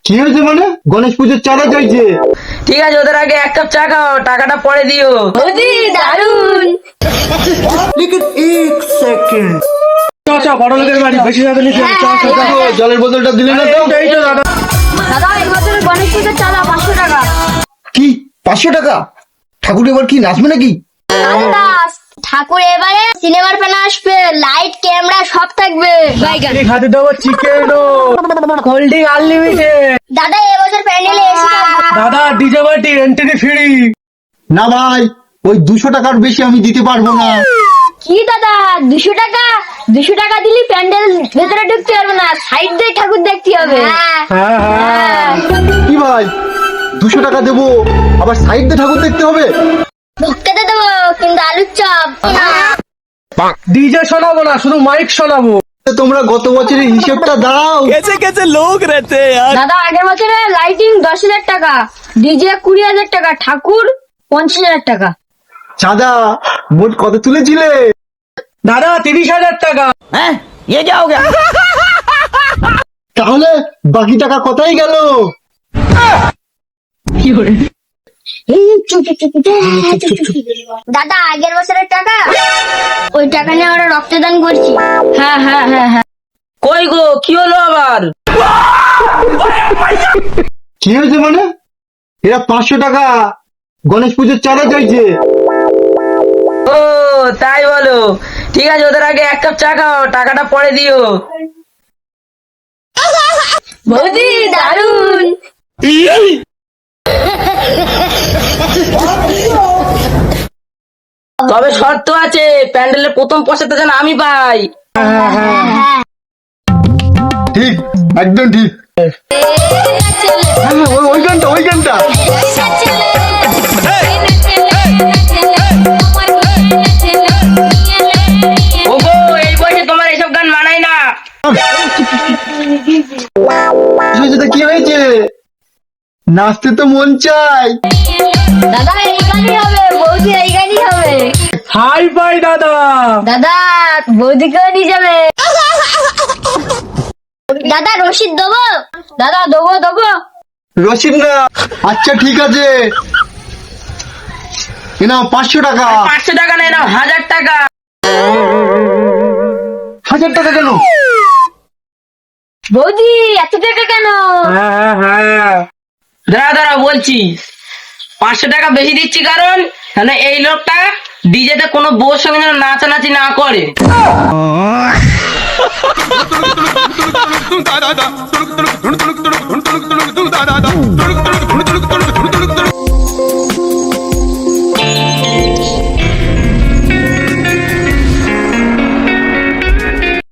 কি হয়েছে মানে? গণেশ পুজোর চাঁদা চাইছে। ঠিক আছে, ওদের আগে এক কাপ চা খাও, টাকাটা পরে দিও। বৌদি দারুন। বড় লোকের বাড়ি, বেশি যাবে না। জলের বোতলটা দিলে না তো? দাদা এই বছরের গণেশ পুজোর চাঁদা 500 টাকা। কি 500 টাকা? ঠাকুর এবার কি নাচবে নাকি? দাদা ঠাকুর এবারে সিনেমার প্যানে আসবে, লাইট ক্যামেরা সব থাকবে। খাতে দেবো চিকেন, কোল্ড ড্রিঙ্ক আনলিমিটেড। দাদা এবছর প্যান্ডেলে এসে দাদা ডিজে পার্টি, এন্ট্রি ফ্রি। না ভাই, ওই 200 টাকার বেশি আমি দিতে পারবো না। কি দাদা 200 টাকা? 200 টাকা দিলি প্যান্ডেল ভেতরে ঢুকতে পারবে না, সাইড দিয়ে ঠাকুর দেখতে হবে। হ্যাঁ হ্যাঁ। কি ভাই, 200 টাকা দেবো আবার সাইড দিয়ে ঠাকুর দেখতে হবে? ঢুকতে দেবো কিন্তু আলুর চপ না। ডিজে শোনাবো না, শুধু মাইক শোনাবো। তোমরা গত বছরের হিসেবটা দাও। দাদা আগের বছরে লাইটিং 10,000 টাকা, ডিজে 20,000 টাকা, ঠাকুর 50,000 টাকা। চাঁদা মোট কত তুলেছিলে? দাদা 30,000 টাকা। তাহলে বাকি টাকা কোথায় গেল? দাদা আগের বছরের টাকা, ওই টাকা নিয়ে আমরা রক্তদান করছি। হ্যাঁ হ্যাঁ হ্যাঁ হ্যাঁ। কই গো, কি হলো আবার? কি হয়েছে মানে? এরা 500 টাকা গণেশ পুজোর চাঁদা চাইছে। ও তাই বলো, ঠিক আছে, ওদের আগে এক কাপ চা খাও, টাকাটা পরে দিও। বৌদি দারুন। তবে শর্ত আছে, প্যান্ডেলের প্রথম পয়সাটা যেন আমি পাই। ঠিক, একদম ঠিক। হ্যাঁ, ওই গানটা, ওই গানটা। ওগো, এই বয়সে তোমার এসব গান মানায় না। কি হয়েছে? নাচতে তো মন চাই। দাদা এই গানই হবে, বৌদি এই গানই হবে। হাই বাই দাদা। দাদা বৌদিকেও নিয়ে যাবে। দাদা রসিদ দেবো? দাদা দেবো দেবো। রসিদ না? আচ্ছা ঠিক আছে, এ নাও 500 টাকা। 500 টাকা নেই, নাও 1000 টাকা। 1000 টাকা কেন? বৌদি এত টাকা কেন? হ্যাঁ হ্যাঁ। দাঁড়া দাঁড়া বলছি, 500 টাকা বেশি দিচ্ছি কারণ এই লোকটা ডিজেতে কোনো বউর সঙ্গে যেন নাচানাচি না করে। da da da